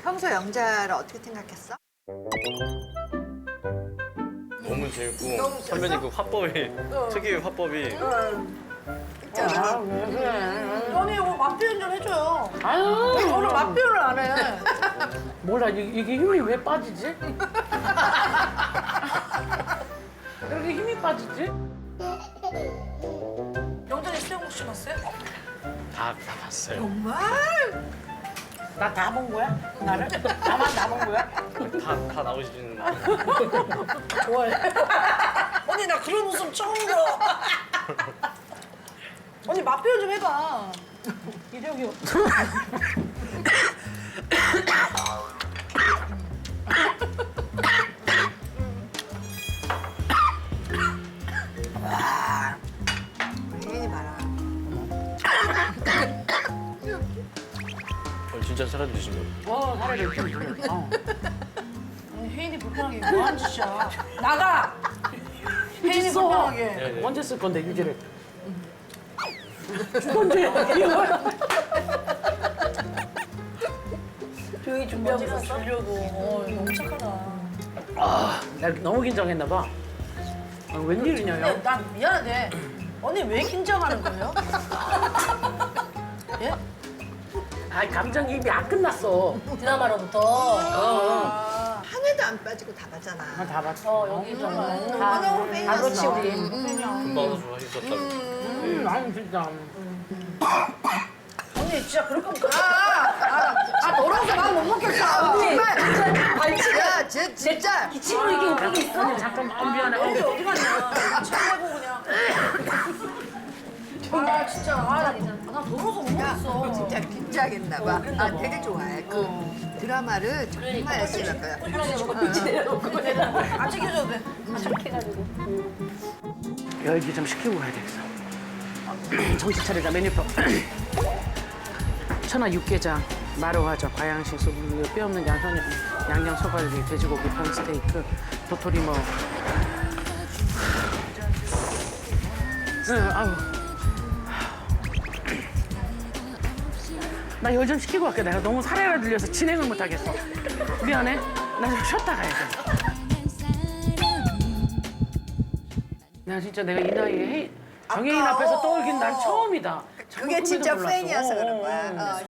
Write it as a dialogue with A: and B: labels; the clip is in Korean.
A: 평소 영자를 어떻게 생각했어?
B: 너무 재밌고 선배님 그 화법이 특유의 화법이
A: 있잖아.
C: 언니 이거 맛 표현 좀 해줘요.
D: 아유,
C: 저는 맛 표현을 안 해.
D: 몰라. 이게 힘이 왜 빠지지? 이렇게 힘이 빠지지?
C: 영전이 수영복 신었어요?
B: 다 봤어요.
A: 정말?
D: 나 다 본 거야? 나를? 나만 다 본 거야?
B: 다 나오시는
C: 좋아해. 언니 나 그런 웃음 처음 들어. 언니 맛 표현 좀 해봐.
D: 이력이 없어.
A: 혜인이 봐라.
B: 진짜 사람 드신 거.
D: 사례를 좀 그래.
C: 언니 혜인이 불편하게 뭐하는 짓이야. 나가. 혜인이
D: 써.
C: 불편하게.
B: 네.
D: 언제 쓸 건데 유지를? 언제?
C: 조용히 준비하고 있었어? 주려고. 너무 착하다.
D: 나 너무 긴장했나 봐. 웬일이냐,
C: 근데
D: 요?
C: 난 미안한데 언니 왜 긴장하는 거예요? 예?
D: 아, 감정이입이 안 끝났어.
C: 드라마로부터.
A: 한 해도 안 빠지고 다 봤잖아.
D: 다 봤어.
C: 여기 좀.
A: 환영 팬이었어.
C: 아, 그렇지 우리.
B: 금방 좋아하셨다고.
D: 아니, 진짜.
C: 언니 진짜 그럴 거면 너라서 난 못 먹겠어. 언니
A: 야, 쟤 진짜.
C: 기침으로 이게 웃기고 있어.
D: 아니, 잠깐 미안해.
C: 언니 어디 갔냐? 참내고 그냥. 아 진짜 나 더러워서 못
A: 야,
C: 먹겠어.
A: 진짜 긴장했나 봐.
D: 그랬나
A: 아,
D: 봐.
A: 되게 좋아해. 그 드라마를 정말 열심히 할 거야.
C: 안 챙겨줘도 돼.
D: 열기 좀 식히고 가야 되겠어. 정신 차리자, 메뉴표. 천하 육개장, 마루화젓, 과양식, 소불류, 뼈 없는 양념 소갈비, 돼지고기, 봄스테이크, 도토리 뭐. 응, 아우. 나 열 좀 식히고 갈게. 내가 너무 사례가 들려서 진행을 못 하겠어. 미안해. 나 좀 쉬었다 가야 돼. 나 진짜 내가 이 나이에 정혜인 앞에서 떠올긴 난 처음이다.
A: 그게 진짜 팬이어서 그런 거야.